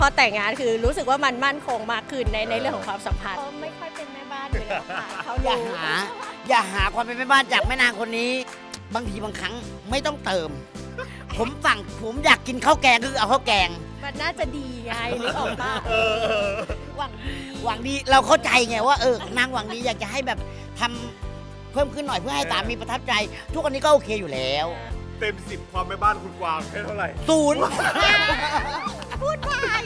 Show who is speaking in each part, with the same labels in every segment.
Speaker 1: พอแต่งงานคือรู้สึกว่ามันมั่นคงมากขึ้นในเรื่องของความสัมพันธ์เขาไม่ค่อยเป็นแม่บ้านอยู่แล้วค่ะเขา
Speaker 2: อย่าหาความเป็นแม่บ้านจากแม่นางคนนี้ บางทีบางครั้งไม่ต้องเติม ผมอยากกินข้าวแกงคือเอาข้าวแกง
Speaker 1: มันน่าจะดีไงนึกออกปะหวังดี
Speaker 2: หวังดีเราเข้าใจไงว่านางหวังดีอยากจะให้แบบทำเพิ่มขึ้นหน่อยเพื่อให้สามีประทับใจ ทุกวันนี้ก็โอเคอยู่แล้ว
Speaker 3: เต็ม 10 ความแม่บ้านคุณกวางให้เท่าไหร่
Speaker 2: ศูนย์
Speaker 1: พูดไป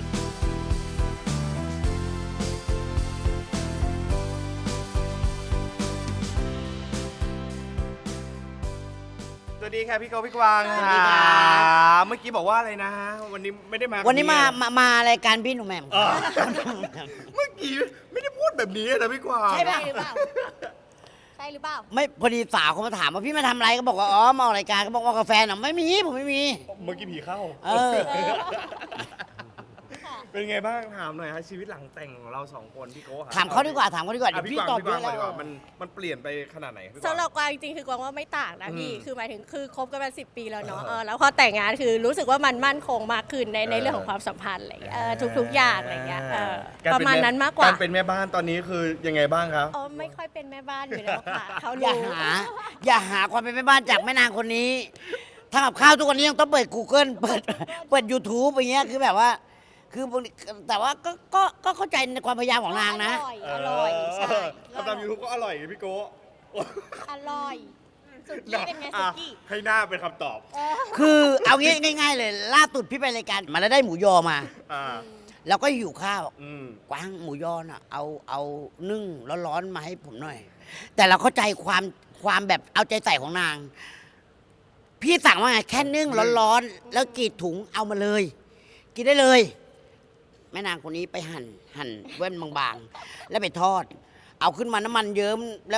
Speaker 3: สวัสดีค่ะพี่โกพี่กวาง
Speaker 2: สวัสดีครับ
Speaker 3: เมื่อกี้บอกว่าอะไรนะ วันนี้ไม่ได้มา
Speaker 2: วันนี้
Speaker 3: แบบ
Speaker 2: มารายการพี่หนุ่มแหม่ม
Speaker 3: เออเมื่อกี้ไม่ได้พูดแบบนี้นะพี่กวาง
Speaker 2: ใช่ปะ
Speaker 1: หรือเปล่าใช่หรือเปล่า
Speaker 2: ไม่พอดีสาวเขามาถามว่าพี่มาทำอะไรก็บอกว่าอ๋อมาออกรายการก็บอกว่ากาแฟน่ะไม่มีผมไม่มี
Speaker 3: เมื่อกี้ผีเข้า
Speaker 2: เออ
Speaker 3: เป็นไงบ้างถามหน่อยฮะชีวิตหลังแต่งของเราสองคนพี่โก้
Speaker 2: ถามเขาดีกว่าเดี๋ยว
Speaker 3: อ่ะ
Speaker 2: พี่ตอบ
Speaker 3: พี่
Speaker 2: เย
Speaker 3: กวาง
Speaker 2: อะ
Speaker 3: ก่อนดีก
Speaker 2: แล้
Speaker 3: ว่าว มันเปลี่ยนไปขนาดไหนพี่กวาง
Speaker 1: สำหรับกวางจริงๆคือกวางว่าไม่ต่างนะพี่
Speaker 3: อืม
Speaker 1: คือหมายถึงคือคบกันมา10 ปีแล้วเนาะแล้วพอแต่งงานคือรู้สึกว่ามันมั่นคงมากขึ้นในเรื่องของความสัมพันธ์อะไรอย่างเงี้ยทุกๆอย่างอะไรอย่างเงี้ยประมาณนั้นมากกว่า
Speaker 3: การเป็นแม่บ้านตอนนี้คือยังไงบ้างครับ
Speaker 1: อ๋อไม่ค่อยเป็นแม่บ้านอยู่แล้วค่ะเขา
Speaker 2: อย่า
Speaker 1: รู้
Speaker 2: อย่าหาความเป็นแม่บ้านจากแม่นางคนนี้ทำกับข้าวทุกวันนี้ยังต้องเปิด Google เปิด YouTube อย่างเงี้ยคือแบบว่า แต่ว่าก็เข้าใจในความพยายามของนางนะ
Speaker 1: อร่อยใช่
Speaker 3: ทำตามยูทูบก็อร่อยไงพี่โก้
Speaker 1: อร่อยสุกี้เป็นไงสุกี้
Speaker 3: ให้หน้าเป็นคำตอบ
Speaker 2: คือเอางี้ง่าย ๆ เลยล่าสุดพี่ไปรายการมาแล้วได้หมูยอมา
Speaker 3: อ่า
Speaker 2: แล้วก็หิวข้าว
Speaker 3: อืม
Speaker 2: กวางหมูยอน่ะเอานึ่งร้อนๆมาให้ผมหน่อย แต่เราเข้าใจความแบบเอาใจใส่ของนาง พี่สั่งว่าไงแค่นึ่งร้อนๆแล้วกรีดถุงเอามาเลย กินได้เลย แม่นางคนนี้ไปหั่นเว้นบางๆ แล้วไปทอด เอาขึ้นมาน้ำมันเยิ้มแล้ว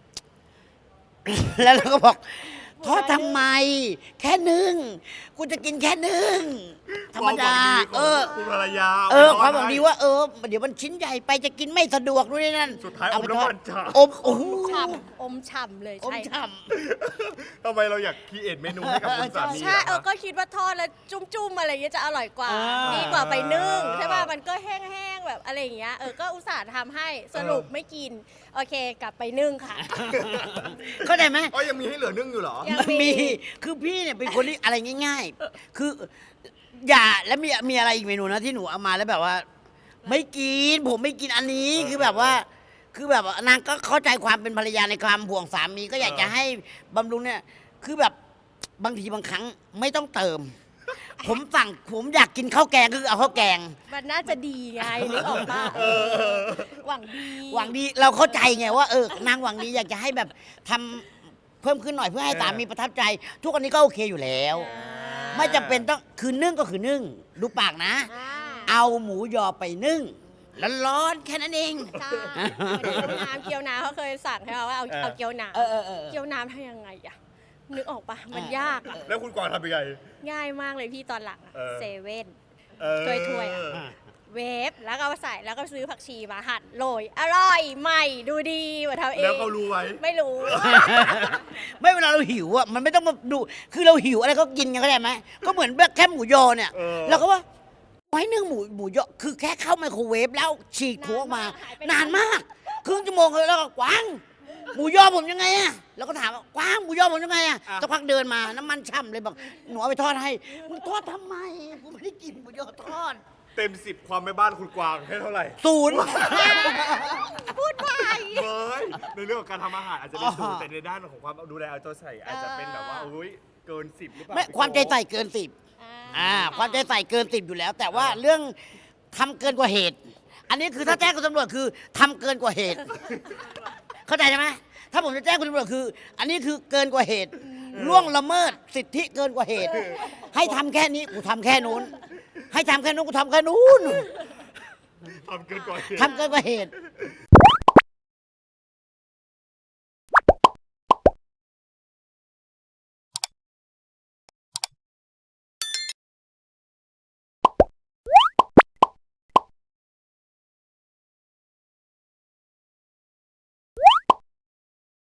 Speaker 2: แล้วเราก็บอก ทอดทำไม แค่นึ่งกูจะกินแค่นึ่งธรรมดา
Speaker 3: คุณภรรยา
Speaker 2: ความหวังดีว่าเดี๋ยวมันชิ้นใหญ่ไปจะกินไม่สะดวกด้วยนั่น
Speaker 3: สุดท้าย
Speaker 2: เอา
Speaker 3: อม
Speaker 2: ไป
Speaker 3: น้ำ
Speaker 2: ทอ
Speaker 3: มั
Speaker 2: ด
Speaker 3: นฉ่
Speaker 2: อมโอ้โห
Speaker 1: อมฉ่ำเลย
Speaker 2: อม
Speaker 1: ใช่
Speaker 2: ฉ่
Speaker 3: ำทำไมเราอยากคีเอทเมนูให้กับคุณสามี
Speaker 1: ใช่
Speaker 3: ล่ะ
Speaker 1: ก็คิดว่าทอดแล้วจุ้มๆอะไรอย่างเงี้ยจะอร่อยกว่า
Speaker 2: อ่า
Speaker 1: ดีกว่าไปนึ่งใช่ป่ะมันก็แห้งๆแบบอะไรอย่างเงี้ยก็อุตส่าห์ทำให้สรุปไม่กินโอเคกลับไปนึ่งค่ะ
Speaker 2: เข้าใจไหม
Speaker 3: อ๋อยังมีให้เหลือนึ่งอยู่เหรอ
Speaker 1: ยัง
Speaker 2: มันมีคือพี่เนี่ยเป็นคนที่อะไรง่าย ๆ คือ อย่าแล้วมีอะไรอีกเมนูนะที่หนูเอามาแล้วแบบว่า ไม่กินผมไม่กินอันนี้คือแบบว่านางก็เข้าใจความเป็นภรรยาในความห่วงสามีก็อยากจะให้บำรุงเนี่ย คือแบบบางทีบางครั้งไม่ต้องเติม ผมอยากกินข้าวแกงคือเอาข้าวแกง
Speaker 1: มันน่าจะดีไงนึกออกปะหวังดี
Speaker 2: หวังดีเราเข้าใจไงว่านางหวังดีอยากจะให้แบบทำเพิ่มขึ้นหน่อยเพื่อให้สามีประทับใจ ทุกวันนี้ก็โอเคอยู่แล้ว ไม่จำเป็นต้องคือนึ่งก็คือนึ่งดูปากนะ เอาหมูยอไปนึ่งร้อนๆแค่นั้นเอง
Speaker 1: ใช่เกี๊ยวน้ำเขาเคยสั่งใช่ไหมว่าเอาเกี๊ยวน้ำเกี๊ยวน้ำทำยังไงอะนึกออกปะมันยากอะ
Speaker 3: แล้วคุณกวางทำยังไง
Speaker 1: ง่ายมากเลยพี่ตอนหลังอะ
Speaker 3: เออ
Speaker 1: เซเว่น
Speaker 3: เออ
Speaker 1: ถ้วยๆอะ เวฟแล้วก็เอามาใส่แล้วก็ซื้อผักชีมาหั่นโรยอร่อยใหม่ดูดีกว่าทำเอง
Speaker 3: แล้วเขารู้ไว้
Speaker 1: ไม่รู้
Speaker 2: ไม่เวลาเราหิวอ่ะมันไม่ต้องมาดูคือเราหิวอะไรก็กินกันเข้าใจไหมก็เหมือนแบบแค่หมูยอเนี่ย
Speaker 3: เออ
Speaker 2: เราก็ว่าไว้นึ่งหมูยอคือแค่เข้าไมโครเวฟแล้วฉีกถั่วออกมา นานมากครึ่งชั่วโมงเลยแล้วก็กวางหมูยอผมยังไงอะแล้วก็ถามว่ากวางหมูยอผมยังไงอะสักพักเดินมาน้ำมันช่ำเลยบอกหนูเอาไปทอดให้มึงทอดทำไมกูไม่ได้กินหมูยอทอด
Speaker 3: เต็ม 10 ความแม่บ้านคุณกวางให้เท่าไหร่
Speaker 2: ศูนย์
Speaker 1: พูดไป
Speaker 3: เฮ้ยในเรื่องของการทำอาหารอาจจะเป็นศูน
Speaker 2: อ๋
Speaker 3: ย์
Speaker 2: อ
Speaker 3: แต่ในด้านของความดูแลเอาใจใส่อาจจะเป็นแบบว่าโอ้ยเกิน 10หรือเปล่า
Speaker 2: ไม่
Speaker 3: พี่โก้
Speaker 2: ความใจใส่เกินสิบความใจใส่เกินสิบอยู่แล้ว แต่ว่าเรื่องทำเกินกว่าเหตุ อันนี้คือถ้าแจ้งคุณตำรวจคือทำเกินกว่าเหตุ เข้าใจใช่ไหมถ้าผมจะแจ้งคุณตำรวจคือ อันนี้คือเกินกว่าเหตุล่วงละเมิดสิทธิเกินกว่าเหตุ ให้ทำแค่นี้กูทำแค่นู้น ให้ทำแค่นู้นกูทำแค่นู้น
Speaker 3: ทำเกินกว่าเหตุ
Speaker 2: ทำเกินกว่าเหตุ